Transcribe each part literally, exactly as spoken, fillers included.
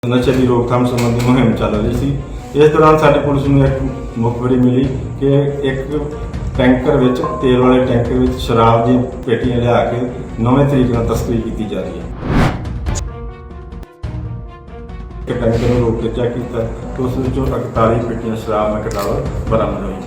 नशे की रोकथाम संबंधी मुहिम चल रही थी। इस दौरान साडी पुलिस नूं एक मुखबरी मिली कि एक टैंकर विच तेल वाले टैंकर विच शराब दी पेटियां लिया के नवें तरीके नाल तस्करी की जा रही है। टैंकर नूं रोक के चेक किया तो उस विचों इकतालीस पेटियां शराब में कटावर बरामद हुई।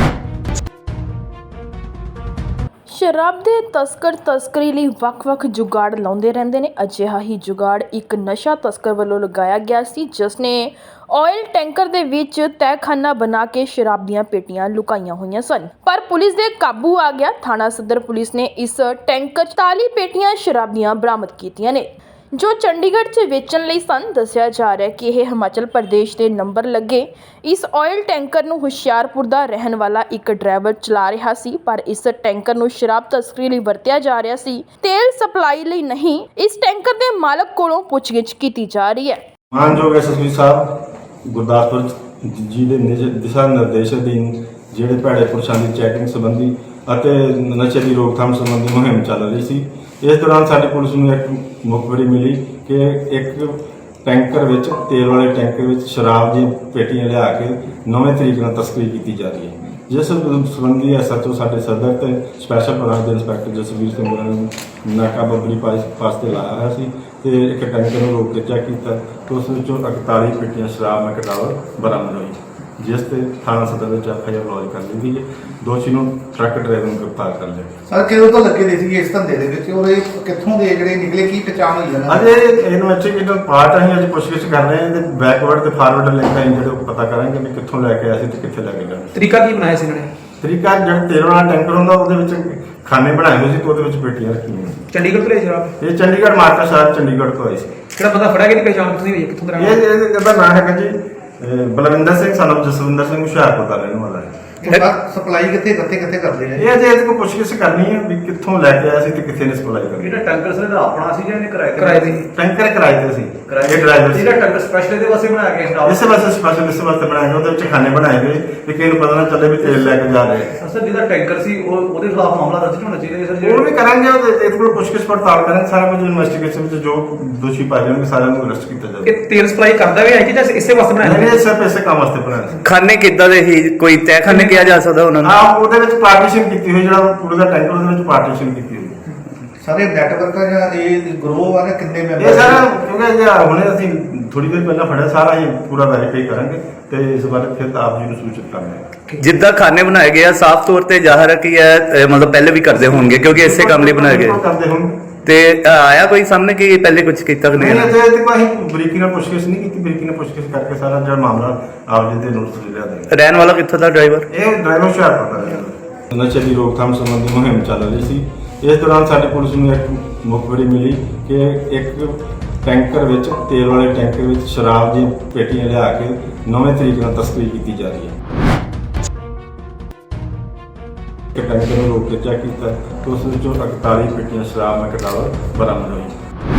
शराब ਦੇ ਤਸਕਰ ਤਸਕਰੀ ਲਈ ਵੱਖ-ਵੱਖ ਜੁਗਾੜ ਲਾਉਂਦੇ ਰਹਿੰਦੇ ਨੇ। ਅਜਿਹਾ ਹੀ ਜੁਗਾੜ ਇੱਕ ਨਸ਼ਾ ਤਸਕਰ ਵੱਲੋਂ ਲਗਾਇਆ ਗਿਆ ਸੀ, ਜਿਸ ਨੇ ਆਇਲ ਟੈਂਕਰ ਦੇ ਵਿੱਚ ਤਹਿਖਾਨਾ ਬਣਾ ਕੇ ਸ਼ਰਾਬ ਦੀਆਂ ਪੇਟੀਆਂ ਲੁਕਾਈਆਂ ਹੋਈਆਂ ਸਨ, ਪਰ ਪੁਲਿਸ ਦੇ ਕਾਬੂ ਆ ਗਿਆ। ਥਾਣਾ ਸਦਰ ਪੁਲਿਸ ਨੇ ਇਸ ਟੈਂਕਰ ਚਾਲੀ ਪੇਟੀਆਂ ਸ਼ਰਾਬ ਦੀਆਂ ਬਰਾਮਦ ਕੀਤੀਆਂ ਨੇ, ਜੋ ਚੰਡੀਗੜ੍ਹ 'ਚ ਵੇਚਣ ਲਈ ਸਨ। ਦੱਸਿਆ ਜਾ ਰਿਹਾ ਕਿ ਇਹ ਹਿਮਾਚਲ ਪ੍ਰਦੇਸ਼ ਦੇ ਨੰਬਰ ਲੱਗੇ ਇਸ ਆਇਲ ਟੈਂਕਰ ਨੂੰ ਹੁਸ਼ਿਆਰਪੁਰ ਦਾ ਰਹਿਣ ਵਾਲਾ ਇੱਕ ਡਰਾਈਵਰ ਚਲਾ ਰਿਹਾ ਸੀ, ਪਰ ਇਸ ਟੈਂਕਰ ਨੂੰ ਸ਼ਰਾਬ ਤਸਕਰੀ ਲਈ ਵਰਤਿਆ ਜਾ ਰਿਹਾ ਸੀ, ਤੇਲ ਸਪਲਾਈ ਲਈ ਨਹੀਂ। ਇਸ ਟੈਂਕਰ ਦੇ ਮਾਲਕ ਕੋਲੋਂ ਪੁੱਛਗਿੱਛ ਕੀਤੀ ਜਾ ਰਹੀ ਹੈ। ਮਾਨਯੋਗ ਐਸਐਸਪੀ ਸਾਹਿਬ ਗੁਰਦਾਸਪੁਰ ਜੀ ਦੇ ਦਿਸ਼ਾ ਨਿਰਦੇਸ਼ ਅਧੀਨ ਜਿਹੜੇ ਭੈੜੇ ਪੁਰਸ਼ਾਂ ਦੀ ਚੈਕਿੰਗ ਸੰਬੰਧੀ ਅਤੇ ਨਸ਼ੇ ਦੀ ਰੋਕਥਾਮ ਸੰਬੰਧੀ ਮੁਹਿੰਮ ਚੱਲ ਰਹੀ ਸੀ। ਇਸ ਦੌਰਾਨ ਸਾਡੀ ਪੁਲਿਸ ਨੂੰ ਇੱਕ ਮੁਖਬਰੀ ਮਿਲੀ ਕਿ ਇੱਕ ਟੈਂਕਰ ਵਿੱਚ ਤੇਲ ਵਾਲੇ ਟੈਂਕਰ ਵਿੱਚ ਸ਼ਰਾਬ ਦੀਆਂ ਪੇਟੀਆਂ ਲਿਆ ਕੇ ਨਵੇਂ ਤਰੀਕੇ ਨਾਲ ਤਸਕਰੀ ਕੀਤੀ ਜਾ ਰਹੀ ਹੈ, ਜਿਸ ਸੰਬੰਧੀ ਐਸਐਚਓ ਸਾਡੇ ਸਦਰ ਤੇ ਸਪੈਸ਼ਲ ਬ੍ਰਾਂਚ ਦੇ ਇੰਸਪੈਕਟਰ ਜਸਵੀਰ ਸਿੰਘ ਹੋਰਾਂ ਨੇ ਨਾਕਾਬੰਦੀ ਪਾਸ ਤੇ ਲਾਇਆ ਹੋਇਆ ਸੀ ਤੇ ਇੱਕ ਟੈਂਕਰ ਨੂੰ ਰੋਕ ਕੇ ਚੈੱਕ ਕੀਤਾ ਤੇ ਉਸ ਵਿੱਚੋਂ ਇਕਤਾਲੀਸ ਪੇਟੀਆਂ ਸ਼ਰਾਬ ਮੈਂ ਕਟਾਵਰ ਬਰਾਮਦ ਹੋਈ, ਜਿਸ ਤੇ ਥਾਣਾ ਸਦਰ ਵਿੱਚ ਐਫਆਈਆਰ ਲੌਜ ਕਰ ਲਈ ਗਈ ਹੈ। ਦੋਸ਼ੀ ਨੂੰ ਟਰੱਕ ਡਰਾਈਵਰ ਨੂੰ ਗ੍ਰਿਫਤਾਰ ਕਰ ਲਿਆ। ਸਰ ਕਿਦੋਂ ਤੋਂ ਲੱਗੇ ਦੇ ਸੀ ਇਸ ਧੰਦੇ ਦੇ ਵਿੱਚ ਔਰ ਇਹ ਕਿੱਥੋਂ ਦੇ ਜਿਹੜੇ ਨਿਕਲੇ, ਕੀ ਪਛਾਣ ਹੋਈ ਇਹਨਾਂ ਅਜੇ ਇਨਵੈਸਟੀਗੇਟਰ ਪਾਰਟ ਅਸੀਂ ਅੱਜ ਪੁੱਛਗਿੱਛ ਕਰ ਰਹੇ ਹਾਂ ਤੇ ਬੈਕਵਰਡ ਤੇ ਫਾਰਵਰਡ ਲਿੰਕ ਅਸੀਂ ਜਿਹੜੇ ਪਤਾ ਕਰਾਂਗੇ ਵੀ ਕਿੱਥੋਂ ਲੈ ਕੇ ਆਏ ਸੀ ਤੇ ਕਿੱਥੇ ਲੈ ਕੇ ਗਏ। ਤਰੀਕਾ ਕੀ ਬਣਾਇਆ ਸੀ ਇਹਨਾਂ ਨੇ? ਤਰੀਕਾ ਜਿਹੜਾ ਤੇਲ ਵਾਲਾ ਟੈਂਕਰ ਹੁੰਦਾ ਉਹਦੇ ਵਿੱਚ ਖਾਨੇ ਬਣਾਏ ਹੋਏ ਸੀ ਤੇ ਉਹਦੇ ਵਿੱਚ ਪੇਟੀਆਂ ਰੱਖੀਆਂ ਸੀ। ਚੰਡੀਗੜ੍ਹ ਤੋਂ ਲਈ ਸ਼ਰਾਬ? ਇਹ ਚੰਡੀਗੜ੍ਹ ਮਾਰਕਾ ਸ਼ਹਿਰ ਚੰਡੀਗੜ੍ਹ ਤੋਂ ਆਈ ਸੀ। ਕਿਹੜਾ ਬੰਦਾ ਫੜਿਆ ਗਿਆ? ਪਛਾਣ ਤੁਸੀਂ ਹੋਈ ਕਿੱਥੋਂ ਦਾ? ਇਹ ਇਹਦਾ ਨਾਮ ਹੈਗਾ ਜੀ ਬਲਵਿੰਦਰ ਸਿੰਘ ਸਾਨੂੰ ਜਸਵਿੰਦਰ ਸਿੰਘ ਹੁਸ਼ਿਆਰਪੁਰ ਦਾ ਰਹਿਣ ਵਾਲਾ ਹੈ। ਸਪਲਾਈ ਕਿੱਥੇ ਕਿੱਥੇ ਕਿੱਥੇ ਕਰਦੇ ਨੇ? ਇਹ ਅਜੇ ਇਹਦੇ ਕੋਲ ਪੁੱਛਗਿੱਛ ਕਰਨੀ ਹੈ ਵੀ ਕਿੱਥੋਂ ਲੈ ਕੇ ਆਇਆ ਸੀ ਤੇ ਕਿੱਥੇ ਨੇ ਸਪਲਾਈ ਕਰੀ। ਇਹਦਾ ਟੈਂਕਰ ਸਰ ਇਹਦਾ ਆਪਣਾ ਸੀ ਜਾਂ ਇਹਨੇ ਕਿਰਾਏ ਤੇ? ਕਿਰਾਏ ਤੇ। ਟੈਂਕਰ ਕਿਰਾਏ ਤੇ ਸੀ। ਇਹ ਡਰਾਈਵਰ ਸੀ। ਇਹਦਾ ਟੈਂਕਰ ਸਪੈਸ਼ਲ ਇਹਦੇ ਵਾਸਤੇ ਬਣਾਇਆ ਗਿਆ ਸਟਾਫ? ਇਸੇ ਵਾਸਤੇ ਸਪੈਸ਼ਲ ਇਸੇ ਵਾਸਤੇ ਬਣਾਇਆ ਗਿਆ। ਉਹਦੇ ਵਿੱਚ ਖਾਨੇ ਬਣਾਏ ਗਏ ਵੀ ਕਿਸੇ ਨੂੰ ਪਤਾ ਨਾ ਚੱਲੇ ਵੀ ਤੇਲ ਲੈ ਕੇ ਜਾ ਰਹੇ। ਸਰ ਜਿਹਦਾ ਟੈਂਕਰ ਸੀ ਉਹ ਉਹਦੇ ਖਿਲਾਫ ਮਾਮਲਾ ਦਰਜ ਹੋਣਾ ਚਾਹੀਦਾ ਸਰ। ਉਹ ਵੀ ਕਰਾਂਗੇ, ਇਹਦੇ ਕੋਲ ਪੁੱਛਗਿੱਛ ਪੜਤਾਲ ਕਰਾਂਗੇ, ਸਾਰਾ ਕੁਝ ਇਨਵੈਸਟੀਗੇਸ਼ਨ ਵਿੱਚ ਜੋ ਦੋਸ਼ੀ ਪਾਏ ਜਾਣਗੇ ਸਾਰਿਆਂ ਨੂੰ ਅਰੈਸਟ ਕੀਤਾ ਜਾਵੇਗਾ। ਇਹ ਤੇਲ ਸਪਲਾਈ ਕਰਦਾ ਵੀ ਹੈ ਕਿ ਜਾਂ ਇਸੇ ਵਾਸਤੇ ਬਣਾਇਆ? ਨਹੀਂ, ਇਹ ਸਿਰਫ ਇਸੇ ਕੰਮ ਵਾਸਤੇ ਬਣਾਇਆ ਸੀ। ਖਾਨੇ ਕਿੱਦਾਂ ਦੇ ਹੀ ਕੋਈ ਤਹਿਖਾਨੇ ਕਿਹਾ ਜਾ ਸਕਦਾ ਉਹਨਾਂ ਨੂੰ? ਹਾਂ, ਉਹਦੇ ਵਿੱਚ ਪਾਰਟੀਸ਼ਨ ਕੀਤੀ ਹੋਈ, ਜਿਹੜਾ ਪੂਰੇ ਦਾ ਟੈਂਕਰ ਉਹਦੇ ਵਿੱਚ ਪਾਰਟੀਸ਼ਨ ਕੀਤੀ ਹੋਈ। ਸਾਰੇ ਨੈਟਵਰਕ ਆ ਜਾਂ ਇਹ ਗਰੋਹ ਆ ਜਾਂ ਕਿੰਨੇ ਮੈਂਬਰ? ਇਹ ਸਾਰਾ ਕਿਉਂਕਿ ਜੇ ਹੁਣੇ ਅਸੀਂ ਥੋੜੀ ਦੇਰ ਪਹਿਲਾਂ ਫੜਿਆ, ਸਾਰਾ ਹੀ ਪੂਰਾ ਵੈਰੀਫਾਈ ਕਰਾਂਗੇ ਤੇ ਇਸ ਬਾਰੇ ਫਿਰ ਆਪ ਜੀ ਨੂੰ ਸੂਚਿਤ ਕਰਾਂਗੇ। ਜਿੱਦਾਂ ਖਾਨੇ ਬਣਾਏ ਗਏ ਆ, ਸਾਫ਼ ਤੌਰ ਤੇ ਜ਼ਾਹਰ ਹੈ ਕਿ ਇਹ ਮਤਲਬ ਪਹਿਲੇ ਵੀ ਕਰਦੇ ਹੋਣਗੇ ਕਿਉਂਕਿ ਇਸੇ ਕੰਮ ਲਈ ਬਣਾਏ ਗਏ। ਕਰਦੇ ਹੋਣਗੇ। ਤੇ ਆਇਆ ਕੋਈ ਸਾਹਮਣੇ ਕਿ ਪਹਿਲੇ ਕੁਝ ਕੀਤਾ ਕਿ ਨਹੀਂ, ਨਹੀਂ? ਅਜੇ ਤੱਕ ਅਸੀਂ ਬਰੀਕੀ ਨਾਲ ਪੁੱਛਗਿੱਛ ਨਹੀਂ ਕੀਤੀ। ਬਰੀਕੀ ਨਾਲ ਪੁੱਛਗਿੱਛ ਕਰਕੇ ਸਾਰਾ ਜਿਹੜਾ ਮਾਮਲਾ ਆਪ ਜੀ ਦੇ ਨੋਟਿਸ ਲਿਆ ਦੇ। ਰਹਿਣ ਵਾਲਾ ਕਿੱਥੋਂ ਦਾ ਡਰਾਈਵਰ? ਇਹ ਡਰਾਈਵਰ ਹੁਸ਼ਿਆਰਪੁਰ ਦਾ ਹੈ। ਨਸ਼ੇ ਦੀ ਰੋਕਥਾਮ ਸੰਬੰਧੀ ਮੁਹਿੰਮ ਚੱਲ ਰਹੀ ਸੀ। ਇਸ ਦੌਰਾਨ ਸਾਡੀ ਪੁਲਿਸ ਨੂੰ ਇੱਕ ਮੁਖਬਰੀ ਮਿਲੀ ਕਿ ਇੱਕ ਟੈਂਕਰ ਵਿੱਚ ਤੇਲ ਵਾਲੇ ਟੈਂਕਰ ਵਿੱਚ ਸ਼ਰਾਬ ਦੀਆਂ ਪੇਟੀਆਂ ਲਿਆ ਕੇ ਨਵੇਂ ਤਰੀਕੇ ਨਾਲ ਤਸਕਰੀ ਕੀਤੀ ਜਾ ਰਹੀ ਹੈ। ਇੱਕ ਟੈਂਕਰ ਨੂੰ ਰੋਕ ਕੇ ਚੈੱਕ ਕੀਤਾ ਤੇ ਉਸ ਵਿੱਚੋਂ ਇਕਤਾਲੀਸ ਪੇਟੀਆਂ ਸ਼ਰਾਬ ਮੈਂ ਕਟਾਵਰ ਬਰਾਮਦ ਹੋਈ।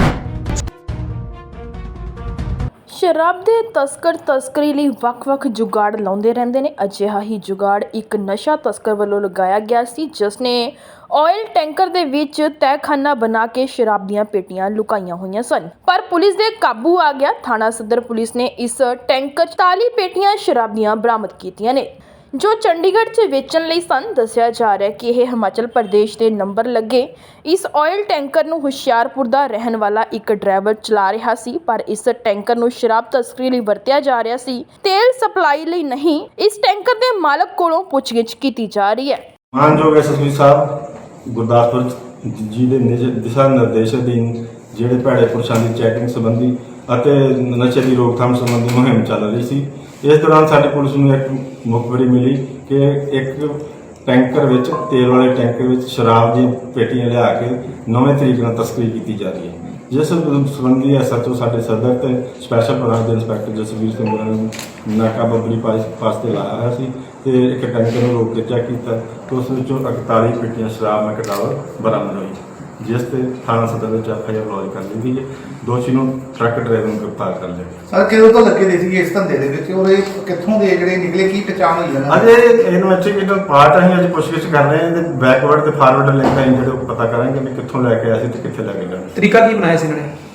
ਸ਼ਰਾਬ ਦੇ ਤਸਕਰ ਤਸਕਰੀ ਲਈ ਵੱਖ-ਵੱਖ ਜੁਗਾੜ ਲਾਉਂਦੇ ਰਹਿੰਦੇ ਨੇ। ਅਜਿਹਾ ਹੀ ਜੁਗਾੜ ਇੱਕ ਨਸ਼ਾ ਤਸਕਰ ਵੱਲੋਂ ਲਗਾਇਆ ਗਿਆ ਸੀ, ਜਿਸ ਨੇ ਆਇਲ ਟੈਂਕਰ ਦੇ ਵਿੱਚ ਤਹਿਖਾਨਾ ਬਣਾ ਕੇ ਸ਼ਰਾਬ ਦੀਆਂ ਪੇਟੀਆਂ ਲੁਕਾਈਆਂ ਹੋਈਆਂ ਸਨ, ਪਰ ਪੁਲਿਸ ਦੇ ਕਾਬੂ ਆ ਗਿਆ। ਥਾਣਾ ਸਦਰ ਪੁਲਿਸ ਨੇ ਇਸ ਟੈਂਕਰ ਚਾਲੀ ਪੇਟੀਆਂ ਸ਼ਰਾਬ ਦੀਆਂ ਬਰਾਮਦ ਕੀਤੀਆਂ ਨੇ, ਜੋ ਚੰਡੀਗੜ੍ਹ 'ਚ ਵੇਚਣ ਲਈ ਸਨ। ਦੱਸਿਆ ਜਾ ਰਿਹਾ ਕਿ ਇਹ ਹਿਮਾਚਲ ਪ੍ਰਦੇਸ਼ ਦੇ ਨੰਬਰ ਲੱਗੇ ਇਸ ਆਇਲ ਟੈਂਕਰ ਨੂੰ ਹੁਸ਼ਿਆਰਪੁਰ ਦਾ ਰਹਿਣ ਵਾਲਾ ਇੱਕ ਡਰਾਈਵਰ ਚਲਾ ਰਿਹਾ ਸੀ, ਪਰ ਇਸ ਟੈਂਕਰ ਨੂੰ ਸ਼ਰਾਬ ਤਸਕਰੀ ਲਈ ਵਰਤਿਆ ਜਾ ਰਿਹਾ ਸੀ, ਤੇਲ ਸਪਲਾਈ ਲਈ ਨਹੀਂ। ਇਸ ਟੈਂਕਰ ਦੇ ਮਾਲਕ ਕੋਲੋਂ ਪੁੱਛਗਿੱਛ ਕੀਤੀ ਜਾ ਰਹੀ ਹੈ। ਮਾਨਯੋਗ ਐਸਐਸਪੀ ਸਾਹਿਬ ਗੁਰਦਾਸਪੁਰ ਜੀ ਦੇ ਦਿਸ਼ਾ ਨਿਰਦੇਸ਼ ਅਧੀਨ ਜਿਹੜੇ ਭੈੜੇ ਪੁਰਸ਼ਾਂ ਦੀ ਚੈਕਿੰਗ ਸੰਬੰਧੀ ਅਤੇ ਨਸ਼ੇ ਦੀ ਰੋਕਥਾਮ ਸੰਬੰਧੀ ਮੁਹਿੰਮ ਚੱਲ ਰਹੀ ਸੀ। ਇਸ ਦੌਰਾਨ ਸਾਡੀ ਪੁਲਿਸ ਨੂੰ ਇੱਕ ਮੁਖਬਰੀ ਮਿਲੀ ਕਿ ਇੱਕ ਟੈਂਕਰ ਵਿੱਚ ਤੇਲ ਵਾਲੇ ਟੈਂਕਰ ਵਿੱਚ ਸ਼ਰਾਬ ਦੀਆਂ ਪੇਟੀਆਂ ਲਿਆ ਕੇ ਨਵੇਂ ਤਰੀਕੇ ਨਾਲ ਤਸਕਰੀ ਕੀਤੀ ਜਾ ਰਹੀ ਹੈ, ਜਿਸ ਸੰਬੰਧੀ ਐਸਐਚਓ ਸਾਡੇ ਸਦਰ ਤੇ ਸਪੈਸ਼ਲ ਬ੍ਰਾਂਚ ਦੇ ਇੰਸਪੈਕਟਰ ਜਸਵੀਰ ਸਿੰਘ ਹੋਰਾਂ ਨੇ ਨਾਕਾਬੰਦੀ ਪਾਸ ਤੇ ਲਾਇਆ ਹੋਇਆ ਸੀ ਤੇ ਇੱਕ ਟੈਂਕਰ ਨੂੰ ਰੋਕ ਕੇ ਚੈੱਕ ਕੀਤਾ ਤੇ ਉਸ ਵਿੱਚੋਂ ਇਕਤਾਲੀਸ ਪੇਟੀਆਂ ਸ਼ਰਾਬ ਮੈਂ ਕਟਾਵਰ ਬਰਾਮਦ ਹੋਈ, ਜਿਸ ਤੇ ਥਾਣਾ ਸਦਰ ਵਿੱਚ ਐਫਆਈਆਰ ਲੌਜ ਕਰ ਲਈ ਗਈ ਹੈ। ਦੋਸ਼ੀ ਨੂੰ ਟਰੱਕ ਡਰਾਈਵਰ ਨੂੰ ਗ੍ਰਿਫਤਾਰ ਕਰ ਲਿਆ। ਸਰ ਕਿਦੋਂ ਤੋਂ ਲੱਗੇ ਦੇ ਸੀ ਇਸ ਧੰਦੇ ਦੇ ਵਿੱਚ ਔਰ ਇਹ ਕਿੱਥੋਂ ਦੇ ਜਿਹੜੇ ਨਿਕਲੇ, ਕੀ ਪਛਾਣ ਹੋਈ ਇਹਨਾਂ ਅਜੇ ਇਨਵੈਸਟੀਗੇਟਰ ਪਾਰਟ ਅਸੀਂ ਅੱਜ ਪੁੱਛਗਿੱਛ ਕਰ ਰਹੇ ਹਾਂ ਤੇ ਬੈਕਵਰਡ ਤੇ ਫਾਰਵਰਡ ਲਿੰਕ ਅਸੀਂ ਜਿਹੜੇ ਪਤਾ ਕਰਾਂਗੇ ਵੀ ਕਿੱਥੋਂ ਲੈ ਕੇ ਆਏ ਸੀ ਤੇ ਕਿੱਥੇ ਲੈ ਕੇ ਗਏ। ਤਰੀਕਾ ਕੀ ਬਣਾਇਆ ਸੀ ਇਹਨਾਂ ਨੇ?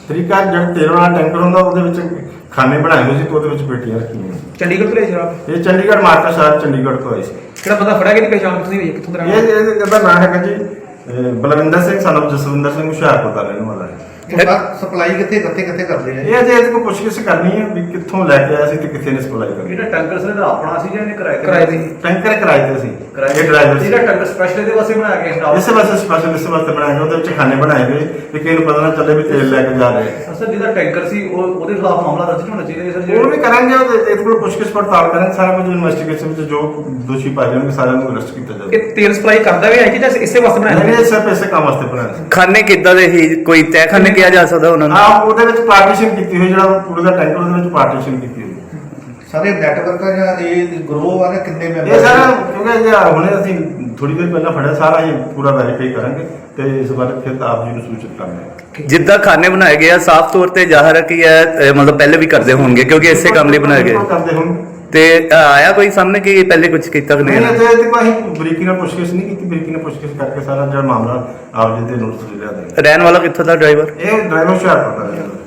ਤਰੀਕਾ ਜਿਹੜਾ ਤੇਲ ਵਾਲਾ ਟੈਂਕਰ ਹੁੰਦਾ ਉਹਦੇ ਵਿੱਚ ਖਾਨੇ ਬਣਾਏ ਹੋਏ ਸੀ ਤੇ ਉਹਦੇ ਵਿੱਚ ਪੇਟੀਆਂ ਰੱਖੀਆਂ ਸੀ। ਚੰਡੀਗੜ੍ਹ ਤੋਂ ਲਿਆ ਸ਼ਰਾਬ ਇਹ ਚੰਡੀਗੜ੍ਹ ਮਾਰਕਾ ਸਾਹਿਬ ਚੰਡੀਗੜ੍ਹ ਤੋਂ ਆਈ ਸੀ। ਕਿਹੜਾ ਬੰਦਾ ਫੜਿਆ ਗਿਆ ਦੀ ਪਛਾਣ ਤੁਸੀਂ ਹੋਈ ਹੈ ਕਿੱਥੋਂ ਦਾ ਰਹਿਣ ਇਹ ਵਾਲਾ? ਇਹ- ਇਹਦਾ ਨਾਮ ਹੈਗਾ ਜੀ ਅਹ, ਬਲਵਿੰਦਰ ਸਿੰਘ ਸਾਨੂੰ ਜਸਵਿੰਦਰ ਸਿੰਘ ਹੁਸ਼ਿਆਰਪੁਰ ਦਾ ਰਹਿਣ ਵਾਲਾ ਹੈ। ਸਪਲਾਈ ਕਿੱਥੇ ਕਿੱਥੇ ਕਿੱਥੇ ਕਰਦੇ ਆ ਇਹ ਅਜੇ ਇਹਦੇ ਕੋਲ ਪੁੱਛਗਿੱਛ ਕਰਨੀ ਹੈ ਵੀ ਕਿੱਥੋਂ ਲੈ ਕੇ ਆਇਆ ਸੀ ਤੇ ਕਿੱਥੇ ਨੇ ਸਪਲਾਈ ਕਰੀ। ਜਿਹੜਾ ਟੈਂਕਰ ਸੀ ਇਹਦਾ ਆਪਣਾ ਸੀ ਜਾਂ ਇਹਨੇ ਕਿਰਾਏ ਤੇ ਕਿਰਾਏ ਤੇ? ਟੈਂਕਰ ਕਿਰਾਏ ਤੇ ਸੀ, ਕਿਰਾਏ ਇਹ ਡਰਾਈਵਰ ਸੀ। ਜਿਹੜਾ ਟੈਂਕਰ ਸਪੈਸ਼ਲ ਇਹਦੇ ਵਾਸਤੇ ਬਣਾਇਆ ਗਿਆ ਸਟਾਫ ਇਸੇ ਵਾਸਤੇ ਸਪੈਸ਼ਲ ਇਸੇ ਵਾਸਤੇ ਬਣਾਇਆ ਗਿਆ, ਉਹਦੇ ਵਿੱਚ ਖਾਨੇ ਬਣਾਏ ਹੋਏ ਵੀ ਕਿਸੇ ਨੂੰ ਪਤਾ ਨਾ ਚੱਲੇ ਵੀ ਤੇਲ ਲੈ ਕੇ ਜਾ ਰਹੇ ਆ। ਸਰ ਜਿਹਦਾ ਟੈਂਕਰ ਸੀ ਉਹ ਉਹਦੇ ਖਿਲਾਫ ਮਾਮਲਾ ਦਰਜ ਹੋਣਾ ਚਾਹੀਦਾ ਸਰ ਉਹ ਜਿਹੜਾ ਵੀ ਕਰਾਂਗੇ, ਉਹਦੇ ਇਹਦੇ ਕੋਲ ਪੁੱਛਗਿੱਛ ਪੜਤਾਲ ਕਰਾਂਗੇ, ਸਾਰਾ ਕੁਝ ਇਨਵੈਸਟੀਗੇਸ਼ਨ ਵਿੱਚ ਜੋ ਦੋਸ਼ੀ ਪਾਏ ਜਾਣਗੇ ਸਾਰਿਆਂ ਨੂੰ ਅਰੈਸਟ ਕੀਤਾ ਜਾਵੇਗਾ। ਇਹ ਤੇਲ ਸਪਲਾਈ ਕਰਦਾ ਵੀ ਹੈ ਕਿ ਜਾਂ ਇਸੇ ਵਾਸਤੇ ਬਣਾਇਆ ਨਹੀਂ ਹੋਇਆ? ਇਹ ਸਿਰਫ ਇਸੇ ਕੰਮ ਵਾਸਤੇ ਬਣਾਇਆ ਸੀ। ਖਾਨੇ ਕਿੱਦਾਂ ਦੇ ਹੀ ਕੋਈ ਤਹਿਖਾਨੇ ਕਿਹਾ ਜਾ ਸਕਦਾ ਉਹਨਾਂ ਨੂੰ? ਹਾਂ ਉਹਦੇ ਵਿੱਚ ਪਾਰਟੀਸ਼ਨ ਕੀਤੀ ਹੋਈ, ਜਿਹੜਾ ਪੂਰੇ ਦਾ ਟੈਂਕਰ ਉਹਦੇ ਵਿੱਚ ਪਾਰਟੀਸ਼ਨ ਕੀਤੀ ਹੋਈ। ਸਾਰੇ ਨੈਟਵਰਕ ਆ ਜਾਂ ਇਹ ਗਰੋਹ ਆ ਜਾਂ ਕਿੰਨੇ ਮੈਂਬਰ ਇਹ ਸਾਰਾ ਕਿਉਂਕਿ ਜੇ ਹੁਣੇ ਅਸੀਂ ਥੋੜੀ ਦੇਰ ਪਹਿਲਾਂ ਫੜਿਆ, ਸਾਰਾ ਇਹ ਪੂਰਾ ਵੈਰੀਫਾਈ ਕਰਾਂਗੇ ਤੇ ਇਸ ਬਾਰੇ ਫਿਰ ਆਪ ਜੀ ਨੂੰ ਸੂਚਿਤ ਕਰਾਂਗੇ। ਜਿੱਦਾਂ ਖਾਨੇ ਬਣਾਏ ਗਏ ਆ ਸਾਫ਼ ਤੌਰ ਤੇ ਜ਼ਾਹਰ ਹੈ ਕਿ ਇਹ ਅਹ, ਮਤਲਬ ਪਹਿਲੇ ਵੀ ਕਰਦੇ ਹੋਣਗੇ ਕਿਉਂਕਿ ਇਸੇ ਕੰਮ ਲਈ ਬਣਾਏ ਗਏ। ਕਰਦੇ ਹੁਣ ਤੇ ਅਹ, ਆਇਆ ਕੋਈ ਸਾਹਮਣੇ ਕਿ ਪਹਿਲੇ ਕੁਝ ਕੀਤਾ ਕਿ ਨਹੀਂ ਨਹੀਂ? ਅਜੇ ਤੱਕ ਅਸੀਂ ਬਰੀਕੀ ਨਾਲ ਪੁੱਛਗਿੱਛ ਨਹੀਂ ਕੀਤੀ, ਬਰੀਕੀ ਨਾਲ ਪੁੱਛਗਿੱਛ ਕਰਕੇ ਸਾਰਾ ਜਿਹੜਾ ਮਾਮਲਾ ਆਪ ਜੀ ਦੇ ਨੋਟਿਸ ਲਿਆ ਦੇ। ਰਹਿਣ ਵਾਲਾ ਕਿੱਥੋਂ ਦਾ ਡਰਾਈਵਰ? ਇਹ ਡਰਾਈਵਰ ਹੁਸ਼ਿਆਰਪੁਰ ਦਾ ਹੈ।